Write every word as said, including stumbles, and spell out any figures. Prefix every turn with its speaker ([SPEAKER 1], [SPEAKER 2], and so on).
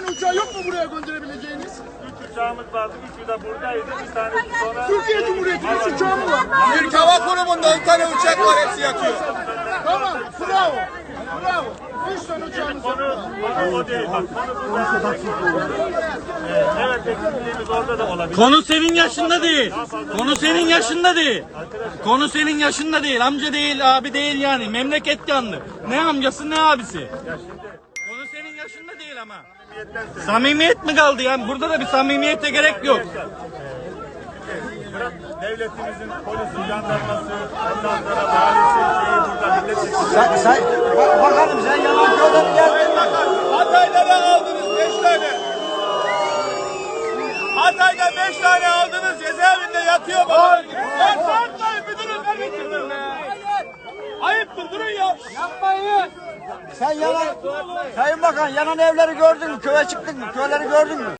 [SPEAKER 1] uçağı yok mu buraya gönderebileceğiniz?
[SPEAKER 2] Üç uçağımız vardı. Üçü de buradaydı. Bir tanesi sonra...
[SPEAKER 1] Türkiye Cumhuriyeti'nin üç uçağı mı var?
[SPEAKER 3] Türk Hava Kurumu'nda on tane uçak var, hepsi yatıyor.
[SPEAKER 1] Tamam, bravo. Bravo. Üç tane uçağımız var.
[SPEAKER 2] Konu, konu o değil. Bak, konu burada. Ee, evet, eksikliğimiz orada da olabilir.
[SPEAKER 4] Konu senin yaşında değil. Konu senin yaşında değil. Konu senin yaşında değil. Amca değil, abi değil yani. Memleket yandı. Ne amcası ne abisi. Konu senin yaşında değil ama. Samimiyet mi kaldı yani? Burada da bir samimiyete gerek yok.
[SPEAKER 2] Bırak devletimizin polisi, jandarması, ondan sonra valisi, şeyi burada milletvekili.
[SPEAKER 5] Sen, sen, bak, bakalım sen yalan köyden geldin mi?
[SPEAKER 3] Hatay'dan aldınız beş tane. Hatay'da beş tane aldınız, cezaevinde yatıyor baba. Ya sarkmayın müdürüm, ben bitirdim. Ayıptır, durun ya.
[SPEAKER 5] Yapmayın. Sen yalan, Sayın Bakan yanan evleri gördün mü? Köye çıktın mı? Köyleri gördün mü?